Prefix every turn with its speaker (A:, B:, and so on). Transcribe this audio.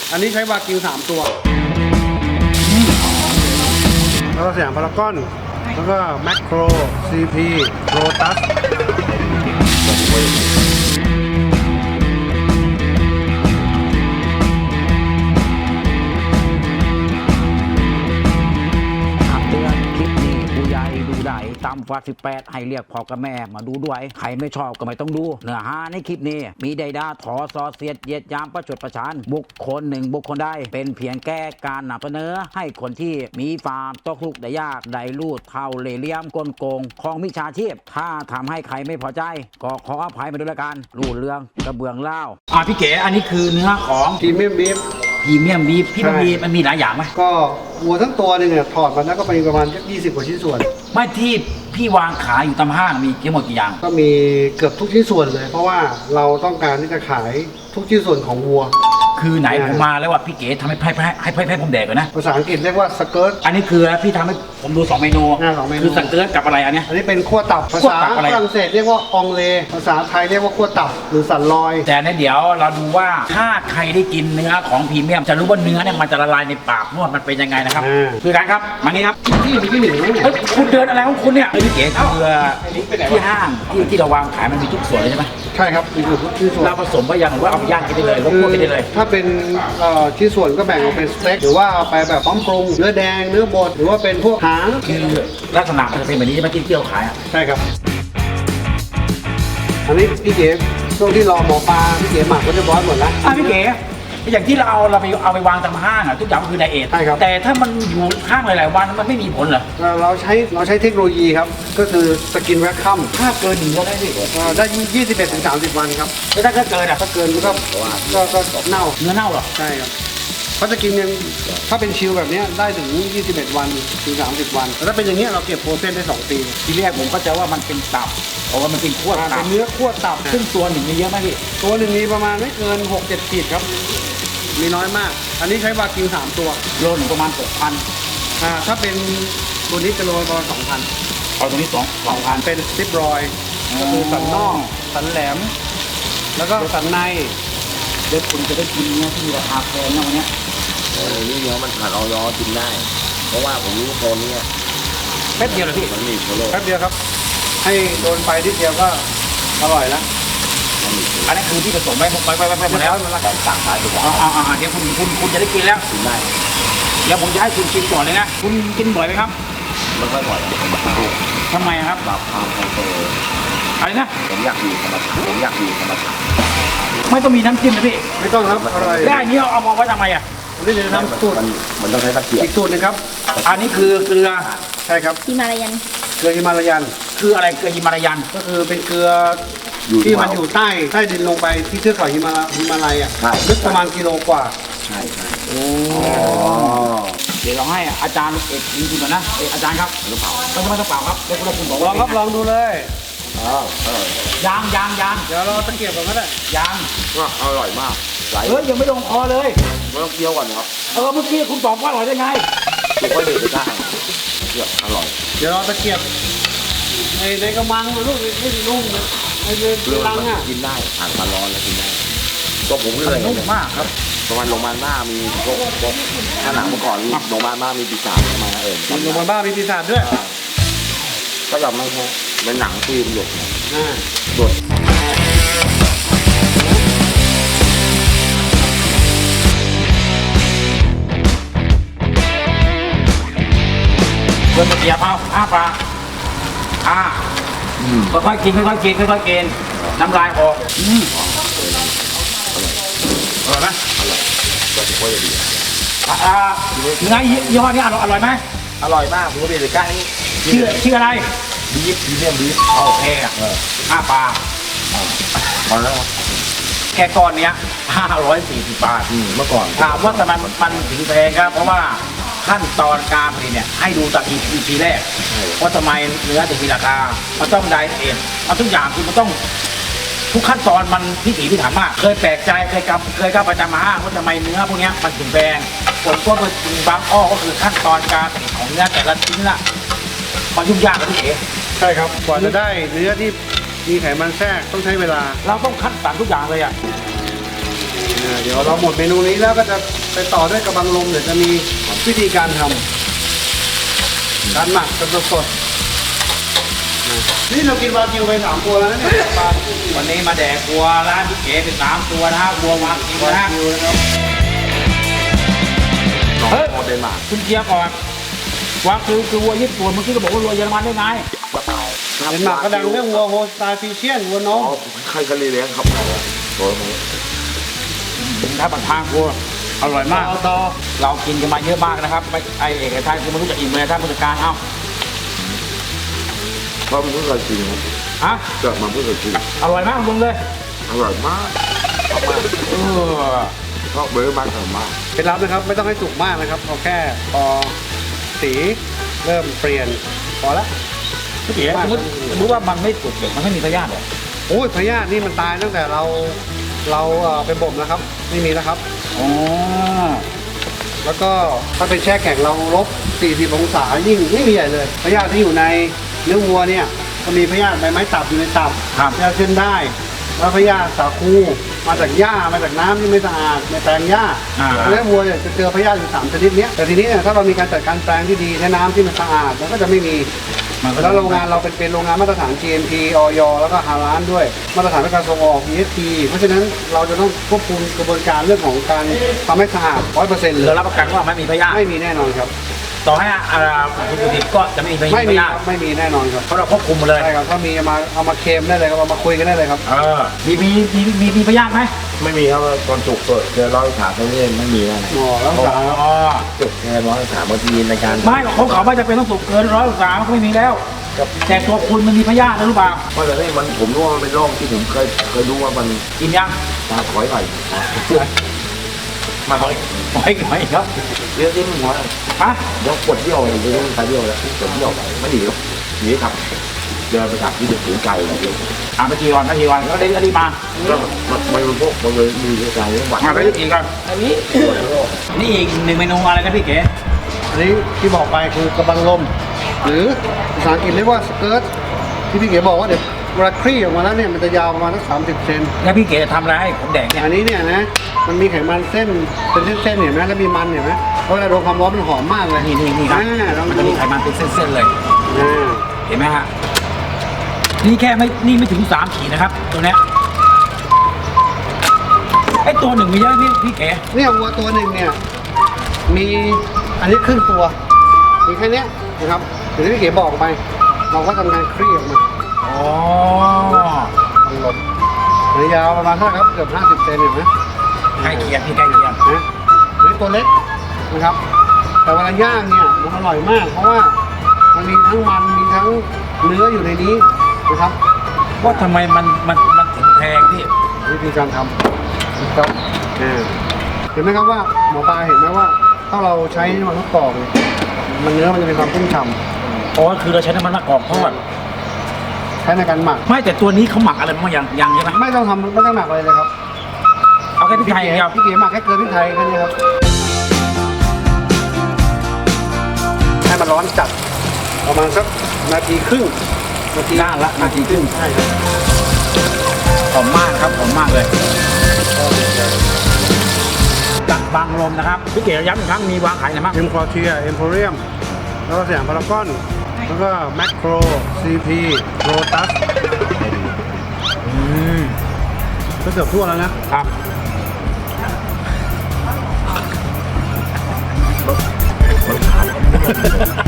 A: อันนี้ใช้วากิว3 ตัวแล้วก็สยามพารากอนแล้วก็แมคโคร CP โรตัส
B: ต่ำกว่า18ให้เรียกพ่อกับแม่มาดูด้วยใครไม่ชอบก็ไม่ต้องดูเนื้อหาในคลิปนี้มีใดด่าถอซอเสียดเหยียดยามประชดประชันบุคคลหนึ่งบุคคลใดเป็นเพียงแก้การนำเสนอให้คนที่มีความตกทุกข์ได้ยากได้ลูดเท่าเล่ห์เหลี่ยมกลโกงของมิจฉาชีพถ้าทำให้ใครไม่พอใจก็ขออภัยมาด้วยละกันรูดเรื่องกระเบื้องเล่าพี่เก๋อันนี้คือเนื้อของ
A: พรีเมียมบีฟ
B: พรีเมียมบีฟพี่มันมีหลายอย่างไหม
A: ก็วัวทั้งตัวนึงเนี่ยถอดมาแล้วก็ไปประมาณ20 กว่าชิ้นส่วน
B: ไม่ที่พี่วางขายอยู่ตามห้างมีกี่หมดกี่อย่าง
A: ก็มีเกือบทุกชิ้นส่วนเลยเพราะว่าเราต้องการที่จะขายทุกชิ้นส่วนของวัว
B: คือไหนผมมาแล้วว่าพี่เก๋ทำให้ผมแดกก่อนนะ
A: ภาษาอังกฤษเรียกว่าสเกิร์ต
B: อันนี้คือพี่ทำให้ผมดู2 เมนูคือสเกิร์ตกับอะไรอันนี้
A: อันนี้เป็นขั้วตับภาษาฝรั่งเศสเรียกว่าองเลภาษาไทยเรียกว่าขั้วตับหรือสันลอย
B: แต่เนี่ยเดี๋ยวเราดูว่าถ้าใครได้กินเนื้อของพรีเมียมจะรู้ว่าเนื้อเนี่ยมันจะละลายในปากนวดมันเป็นยังไงนะครับคือการครับมานี่ครับ
A: ที่หนึ่ง
B: คุณเดินอะไรของคุณเนี่ยพี่เก๋คือที่ห้างที่เราวางขายมันมีทุกส่วนเลยใช่ไหม
A: ใช่ครับมีทุกส่วน
B: เราผสมไปยังหรือว่าเอาไปย่างกินได้เลยก็คั่วกินได้เลย
A: ถ้าเป็นชิ้นส่วนก็แบ่งออกเป็นสเต็กหรือว่าไปแบบพร้อมปรุงเนื้อแดงเนื้อบดหรือว่าเป็นพวกหาง
B: คือลักษณะมันจะเป็นแบบนี้ใช่ไหมที่เที่ยวขายอ่ะ
A: ใช่ครับอันนี้พี่เก๋ช่วงที่รอหมอปลาพี่เก๋หมักก็เรียบร้อยหมดแล้ว
B: พี่เก๋อย่างที่เราเอาไปวางตามห้างอ่ะทุกอย่างคือไดเอท
A: ใช่ครับ
B: แต่ถ้ามันอยู่ข้างหลายๆวันมันไม่มีผลเหรอ
A: เราใช้เทคโนโลยีครับก็คือสกินแวคคัม
B: ถ้าเกิน1ก็ได้พี่
A: ได้21 ถึง 30 วันครับ
B: แล้วถ้าเกินอ่ะ
A: ถ้าเกินมันก็เน่า
B: เนื้อเน่าหรอ
A: ใช่ครับเพราะสกินยังถ้าเป็นชิลแบบนี้ได้ถึง21 วันถึง30 วันแต่ถ้าเป็นอย่างนี้เราเก็บโปรเซสได้2 ปี
B: ทีแรกผมก็จะว่ามันเป็นตับเพราะว่ามันเป็นขั้วตับ
A: เป็นเนื้อขั้วตับ
B: ซึ่งตัวหนึ่งมีเยอะไหมพี่
A: ตัวหนึ่งมีประมาณไม่เกิน 6-7 ขีดครับมีน้อยมากอันนี้ใช้วากิว3 ตัว
B: โลหนึ่งประมาณ 6,000
A: ถ้าเป็นตัวนี้จะโลประมาณ 2,000
B: เอาตัวนี้2,000
A: เป็นสติปรอยก็คือสันนอกสันแหลมแล้วก็สันใน
B: เดี๋ยวคุณจะได้กินเนื้อที่ราคาแพงนะวันนี้
C: นี่เนื้อมันผ่านออยกินได้เพราะว่าผมรู้โซนนี้
B: แป๊บเดียวเลยพี่
C: มันมีโซโล่
A: แป๊บเดียวครับให้โดนไฟทีเดียวก็อร่อยแล้ว
B: อันนี้คือที่ผสมไว้หมดแล้ว
C: ต่างสายถูกต้อง
B: เดี๋ยวคุณจะได้กินแล้ว
C: กินได้
B: เดี๋ยวผมจะให้คุณกินก่อนเลยนะคุณกินบ่อยไหมครับ
C: ไม่ค่อยบ่อย
B: ทำไมครับ
C: แบบความคอนโทรล
B: อะไรนะ
C: ผมอยากอยู่ธรรมชาติ
B: ไม่ต้องมีน้ำจิ้มนะพี่
A: ไม่ต้องครับอร่อย
B: ได้นี้เอามาไว้ทำไมอ่ะ
A: นี่จะทำสูตร
C: มันต้องใช้ตะเกียบ
A: อีกสูตรนึงครับ
B: อันนี้คือเกลือ
A: ใช่ครับ
D: ฮิมาลายัน
A: เกลือฮิมาลายัน
B: คืออะไรเกลือฮิมาลายัน
A: ก็คือเป็นเกลือที่มันอยู่ใต้ดินลงไปที่เทือกเขาฮิมาลัยอ่ะลึกประมาณกิโลกว่า
C: ใช่
B: โอ้เดี๋ยวเราให้อาจารย์เอกกินก่อนนะอาจารย์ครับ
C: หรือเปล่า
B: ไม่ต้องเปล่าครับเดี๋ยวคุณบอก
A: ลองครับลองดูเลย
B: ยาง
A: เดี๋ยวเราตะเกียบก่อนก็ได้
B: ยาง
C: ก็อร่อยมาก
B: ยังไม่ลงคอเลย
C: ไม่ต้องเคี้ยวก่อนครับ
B: เมื่อกี้คุณบอกว่าอร่อยได้ไง
C: ถูกค่อยเด็ดไปได้อร่อย
A: เดี๋ยวเราตะเกียบในกระมังลูกไม่นุ่มนะในรังอ่ะ
C: กินได้ผ่านความร้อนแล้วกินได้ก็ผมก็เลย
B: นุ่มมากครับ
C: ประมาณโรงพยาบาลหน้ามีพวกถ้าหนังเมื่อก่อนโรงพยาบาลหน้ามีปีศาจมา
A: โรงพยาบาลบ้ามีปีศาจด้วย
C: ก็แบบไม่ใช่เป็นหนังฟิล์มหยดหยด
B: เริ่มเกียบเอาปลาค่อยๆกินน้ำลายออกอร่อยไหม
C: อร่อยก็ถือว่าจะดี
B: เนื้อยี่ห้อนี้อร่อยไหม
C: อร่อยมากผมก็เป็นเลยก้านี้
B: ชื่ออะไร
C: บีฟพรีเมียมบีฟ
B: โอเคปลา
C: พอแล้ว
B: แค่ก้อนเนี้ย540 บาท
C: เมื่อก่อน
B: ถามว่าทำไมมันถึงแพงครับเพราะว่าขั้นตอนการผลิตเนี่ยให้ดูจาก EP แรกว่าทำไมเนื้อถึงมีราคามันต้องไดเอทมันทุกอย่างคือมันต้องทุกขั้นตอนมันพิถีพิถันมากเคยแปลกใจเคยเข้าประจำมาว่าทำไมเนื้อพวกนี้มันถึงแพงผลก็คือบางอ้อก็คือขั้นตอนการผลิตของเนื้อแต่ละชิ้นละมันยุ่งยากนะพี่เอ๋
A: ใช่ครับกว่าจะได้เนื้อที่มีไขมันแทรกต้องใช้เวลา
B: เราต้องคัดสรรทุกอย่างเลยอ่ะ
A: เดี๋ยวเราหมดเมนูนี้แล้วก็จะไปต่อด้วยกระบังลมเดี๋ยวจะมีวิธีการทำการหมักสดๆนี่เรากินวากิวไป3 ตัวแล้วนะเนี่ยปลา
B: วันนี้มาแดกวัวร้านพี่เก๋เป็น3 ตัวนะฮะวัววางกิน
A: วา
B: นะฮะ
A: กิวนะครับ
C: น้อง
B: เฮ้ย
C: โมเดนมาร์ก
B: คุณเกียร์ก่อนวางคือวัวญี่ปุ่นเมื่อกี้ก็บอกว่าวัวเยอรมันได้ไง
A: เดนมาร์กก็ดังเรื่องวัวโฮสไตฟิเชียนวัวน้
C: อ๋
A: อ
C: อง ใครก็เลี้ยงครับตัวนี้
B: ถ้าบันทางวัวอร่อยมาก
A: ต่อ
B: เรากินกันมาเยอะมากนะครับไม่ไอเอกชัยคือไม่รู้จะอิ่มเลยท่านผู้จัดการเอ้า
C: เพราะมันเพิ่งเคยกินครับ
B: ฮะ
C: เกิดมาเพิ่งเคยกิน
B: อร่อยมากลุงเลย
C: อร่อยมากชอบมาก
B: เออ
C: ชอบเบอร์มากอร่อยมาก
A: เคล็ดลับนะครับไม่ต้องให้สุกมากนะครับเอาแค่พอสีเริ่มเปลี่ยนพอละ
B: พี่เก๋สมมติว่ามันไม่สุกเด็กมันไม่มีพยาธิเหรอ
A: โอ้ยพยาธินี่มันตายตั้งแต่เราไปบ่มแล้วครับไม่มีแล้วครับ
B: อ๋อ
A: แล้วก็ถ้าเป็นแช่แข็งเราลบ 40 องศายิ่งไม่มีใหญ่เลยพยาธิที่อยู่ในเนื้อวัวเนี่ยก็มีพยาธิใบไม้ตับอยู่ในตับ
B: ครับ
A: พยาธิเส้นได้แล้วพยาธิสาคูมาจากหญ้ามาจากน้ำที่ไม่สะอาดในแปลงหญ้า
B: อ่า
A: เนื้อวัวเนี่ยจะเจอพยาธิอยู่3 ชนิดเนี้ยแต่ทีนี้เนี่ยถ้าเรามีการจัดการแปลงที่ดีใช้น้ำที่มันสะอาดมันก็จะไม่มี
B: มันก็
A: แล้วโรงงานเราเป็นโรงงานมาตรฐาน GMP ออยแล้วก็ฮาลาลด้วยมาตรฐานการส่งออก ESG เพราะฉะนั้นเราจะต้องควบคุมกระบวนการเรื่องของการทำให้สะอาด 100% เลย
B: เรารับประกันว่าไม่มีพยาธิ
A: ไม่มีแน่นอนครับ
B: ต่อให้คุณผู้ดิบก็จะไม่มีพ
A: ไม่มี
B: ยา
A: ค
B: ธิ
A: รับไม่มีแน่นอนครับ
B: เพราะเราควบคุมหมดเลย
A: ใช่ครับถ้ามีเอามาเคลมได้เลยครับเอามาคุยกันได้เลยครับ
B: มีพยาธิไหม
C: ไม่มีครับตอนจุกเกิดเจอร้อยถามตรงนี้ไม่มีนะ
A: หมอรักษา
B: อ๋อ
C: จุกแค่ร้อยถามบางทีในการ
B: ไม่ของเขาไม่จะเป็นต้องสุกเกิน103ก็ไม่มีแล้ว แต่ตัวคุณมันมีพยาธินะรู้เปล่า
C: เพราะแต่นี่มันผมรู้ว่ามันเป็นโรคที่ผมเคยรู้ว่ามัน
B: กินยัง
C: ตาถอยหน่อย
B: มาหอยครับ
C: เรื่องที่มันหัว
B: ฮะ
C: เดี๋ยวปวดเยี่ยวเลยเรื่องตาเยี่ยวแล้วปวดเยี่ยวไม่ดีหรอกหนีครับเดินไปขับที่เด็กถึงไกลเลย
B: ไปกี่วันก็ได้รีบมา
C: ก็มันพวกมันเลยมีอาการเรื่องหวัด
B: ไปกี่กันอันนี้นี่อีก1 เมนูอะไรนะพี่เก๋
A: อันนี้ที่บอกไปคือกระบังลม หรือภาษาอังกฤษเรียกว่าสเกิร์ตที่พี่เก๋บอกว่าเดี๋ยวเวลาคลี่ออกมาแล้วเนี่ยมันจะยาวประมาณสัก30 เซน
B: แล้วพี่เก๋จะทำอะไรให้ผมแดกเนี่ย
A: อันนี้เนี่ยนะมันมีไขมันเส้นเป็นเส้นๆเห็นไหมแล้วมีมันเห็นไหมเพราะเวลาโดนความร้อนมันหอมมากเลย
B: นี่ครับ
A: ลอง
B: มัน
A: ดู
B: จะมีไขมันเป็นเส้นๆเลย
A: อ่า
B: เห็นไหมฮะนี่แค่ไม่ถึง3 ขีดนะครับตัวเนี้ยไอ้ตัวหนึ่งมีเยอะพี่เก๋
A: เนี่ยวัวตัวหนึ่งเนี่ยมีอันนี้ครึ่งตัวมีแค่เนี้ยนะครับอย่างที่พี่เก๋บอกไป เราก็ทำการคลี่ออกมา
B: อ๋อ
A: บังลมระยะยาวประมาณเท่าไหร่ครับเกือบ50 เซนเห็นไหม
B: ใกล้เคียงพี่ใกล้เคียง
A: นะหรือตัวเล็กนะครับ แต่เวลาย่างเนี่ยมันอร่อยมาก เพราะว่ามันมีทั้งมันมีทั้งเนื้ออยู่ในนี้นะครับ
B: ว่าทำไมมันถึงแพงพี่
A: วิธีการทำนะครับเห็นไหมครับว่าหมอปลาเห็นไหมว่า ถ้าเราใช้น้ำมันมะกอกเนี่ยมันเนื้อมันจะมีความชุ่มฉ่
B: อ๋อคือเราใช้น้ำมันมะกอกทอด
A: ำใช้ในการหมัก
B: ไม่แต่ตัวนี้เขาหมักอะไรบ้างยังใช่ไหม
A: ไม่ต้องหมักอะไรเลยครับ
B: เอาแค่พริกไทยอย่างเดียว
A: พี่เก๋หมักแค่เกลือพริกไทยแค่นี้ครับให้มันร้อนจัดประมาณสักนาทีครึ่งนาที
B: ด้านละนาทีครึ่ง
A: ใช่ครับ
B: หอมมากครับหอมมากเลยกับบางลมนะครับพี่เก๋ย้ำอีกครั้งมีวางขายไหนบ้าง
A: เอ็มคอเทียเอ็มโพเรียมแล้วก็สยามพารากอนแล้วก็แมคโครซีพีโรตัสก็เกือบทั่วแล้วนะครับ
C: มันขาด